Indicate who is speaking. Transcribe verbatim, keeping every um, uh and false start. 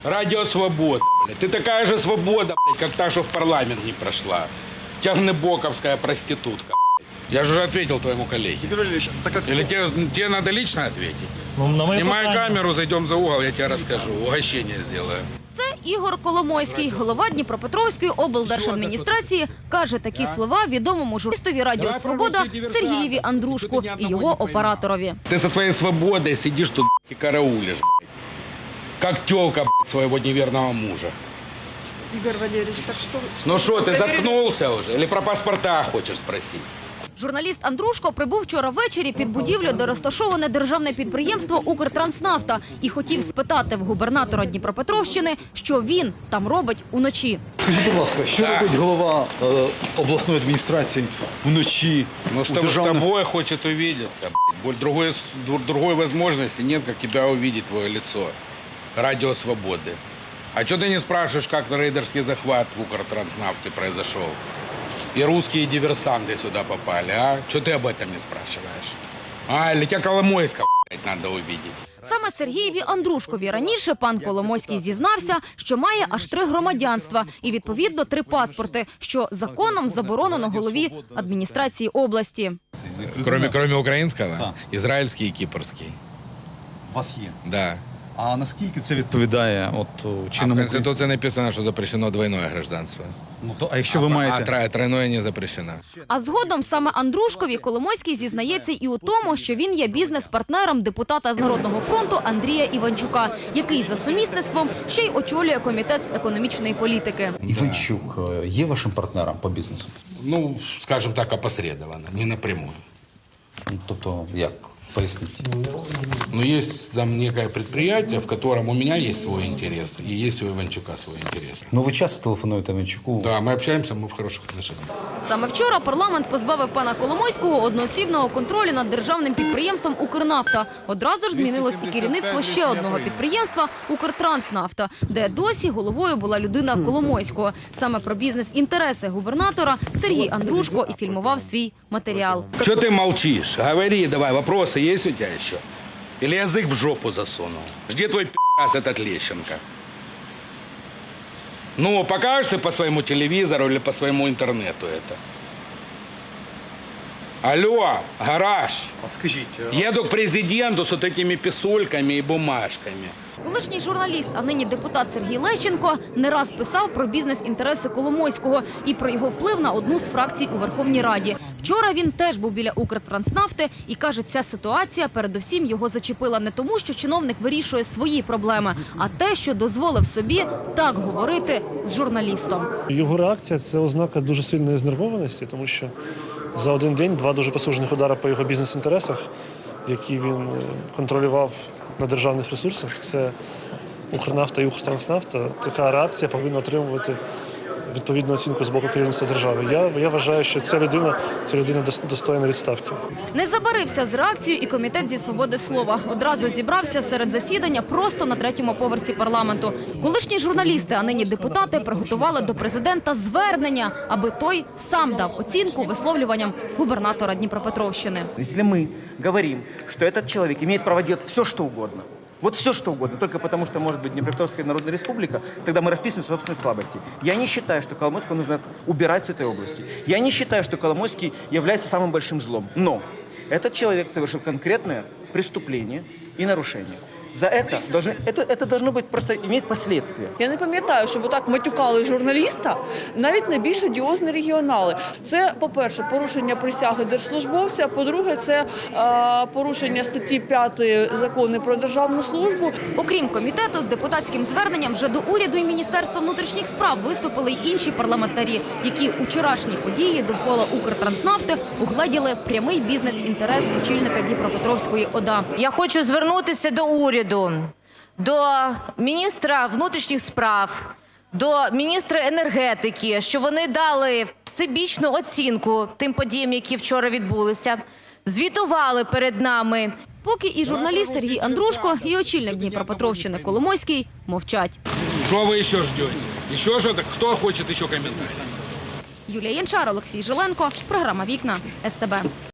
Speaker 1: Радио «Свобода», блядь. Ты такая же свобода, блядь, как та, что в парламент не прошла. Тягнебоковская проститутка, блядь. Я же уже ответил твоему коллеге.
Speaker 2: Игорь Ильич, так как...
Speaker 1: Или тебе, тебе надо лично ответить?
Speaker 3: Ну, на моє
Speaker 1: Снимай
Speaker 3: питання.
Speaker 1: камеру, зайдем за угол, я тебе расскажу. Угощение сделаю.
Speaker 4: Це Ігор Коломойський, голова Дніпропетровської облдержадміністрації, каже такі слова відомому журналістові Радіо «Свобода» Сергієві Андрушку і його операторові.
Speaker 1: Ты со своей свободой сидишь тут и караулишь, блядь. Как тёлка, блядь, своего неверного мужа.
Speaker 5: Игорь Валерьевич, так что...
Speaker 1: Ну что, ты
Speaker 5: Проверили-
Speaker 1: заткнулся уже? Или про паспорта хочешь спросить?
Speaker 4: Журналіст Андрушко прибув вчора ввечері під будівлю, де розташоване державне підприємство «Укртранснафта» і хотів спитати в губернатора Дніпропетровщини, що він там робить уночі.
Speaker 2: Скажіть, будь ласка, що робить голова е, обласної адміністрації вночі
Speaker 1: Ну,
Speaker 2: у
Speaker 1: с тобой, с
Speaker 2: державних...
Speaker 1: тобой хочет увидеться. блядь. Боль- Другой, с- дру- другой возможности нет, как тебя увидеть, твое лицо. Радио «Свободы». А что ты не спрашиваешь, как рейдерский захват в Укртранснафте произошел? И русские диверсанты сюда попали, а? Что ты об этом не спрашиваешь? А, или тебя Коломойского, блядь, надо увидеть?
Speaker 4: Саме Сергієві Андрушкові раніше пан Коломойський зізнався, що має аж три громадянства і, відповідно, три паспорти, що законом заборонено голові адміністрації області.
Speaker 1: Кроме, кроме украинского, израильский и кипрский.
Speaker 2: У вас є.
Speaker 1: Да.
Speaker 2: А наскільки це відповідає от
Speaker 1: А в
Speaker 2: чинному...
Speaker 1: Конституции написано, что запрещено двойное гражданство.
Speaker 2: Ну, то, а якщо ви
Speaker 1: А
Speaker 2: маєте...
Speaker 1: тро- тройное не запрещено.
Speaker 4: А згодом саме Андрушкові Коломойський зізнається і у тому, що він є бізнес-партнером депутата з Народного фронту Андрія Іванчука, який за сумісництвом ще й очолює комітет з економічної політики.
Speaker 6: Іванчук е, є вашим партнером по бізнесу?
Speaker 1: Ну, скажем так, опосредованно, не напрямую.
Speaker 6: Ну, тобто, як? Поясніть.
Speaker 1: Но есть там некое предприятие, в котором у меня есть свой интерес, и есть у Иванчука свой интерес.
Speaker 6: Ну, ви часто телефонуєте Іванчуку?
Speaker 1: Да, мы общаемся, мы в хороших отношениях.
Speaker 4: Саме вчора парламент позбавив пана Коломойського одноосібного контролю над державним підприємством «Укрнафта». Одразу ж змінилось і керівництво ще одного підприємства «Укртранснафта», де досі головою була людина Коломойського. Саме про бізнес-інтереси губернатора Сергій Андрушко і фільмував свій матеріал.
Speaker 1: Что ты молчишь? Говори давай, вопросы есть у тебя еще? Или язык в жопу засунул? Где твой пи***ц этот Лещенко? Ну, покажешь ты по своему телевизору или по своему интернету это? Алло, гараж.
Speaker 2: А скажіть, е,
Speaker 1: Еду к президенту с вот этими писульками и бумажками.
Speaker 4: Колишній журналіст, а нині депутат Сергій Лещенко не раз писав про бізнес-інтереси Коломойського і про його вплив на одну з фракцій у Верховній Раді. Вчора він теж був біля «Укртранснафти» і каже, ця ситуація передусім його зачепила не тому, що чиновник вирішує свої проблеми, а те, що дозволив собі так говорити з журналістом.
Speaker 3: Його реакція – це ознака дуже сильної знервованості, тому що за один день два дуже потужних удари по його бізнес-інтересах, які він е, контролював на державних ресурсах. Це «Укрнафта» і «Укртранснафта». Така реакція повинна отримувати відповідну оцінку з боку керівництва держави. Я, я вважаю, що ця людина, ця людина дос- достойна відставки.
Speaker 4: Не забарився з реакцією і комітет зі свободи слова. Одразу зібрався серед засідання просто на третьому поверсі парламенту. Колишні журналісти, а нині депутати, приготували до президента звернення, аби той сам дав оцінку висловлюванням губернатора Дніпропетровщини.
Speaker 7: Если мы говорим, что этот человек имеет право делать все, что угодно, вот все, что угодно, только потому, что может быть Днепропетровская Народная Республика, тогда мы расписываем собственные слабости. Я не считаю, что Коломойского нужно убирать с этой области. Я не считаю, что Коломойский является самым большим злом. Но этот человек совершил конкретное преступление и нарушение. За это, должны, это, это должно быть просто иметь последствия.
Speaker 5: Я не пам'ятаю, щоб отак матюкали журналіста, навіть найбільш одіозні регіонали. Це, по-перше, порушення присяги держслужбовця, по-друге, це е, порушення статті п'ятої Закону про державну службу.
Speaker 4: Окрім комітету, з депутатським зверненням вже до уряду і Міністерства внутрішніх справ виступили й інші парламентарі, які учорашні події довкола «Укртранснафти» угледіли прямий бізнес-інтерес очільника Дніпропетровської ОДА.
Speaker 8: Я хочу звернутися до уряду, до міністра внутрішніх справ, до міністра енергетики, що вони дали всебічну оцінку тим подіям, які вчора відбулися, звітували перед нами.
Speaker 4: Поки і журналіст Сергій Андрушко, і очільник Дніпропетровщини Коломойський мовчать.
Speaker 1: Что вы еще ждете? Еще что-то? Кто хочет еще комментарий?
Speaker 4: Юлія Янчар, Олексій Жиленко, програма «Вікна», ес те бе.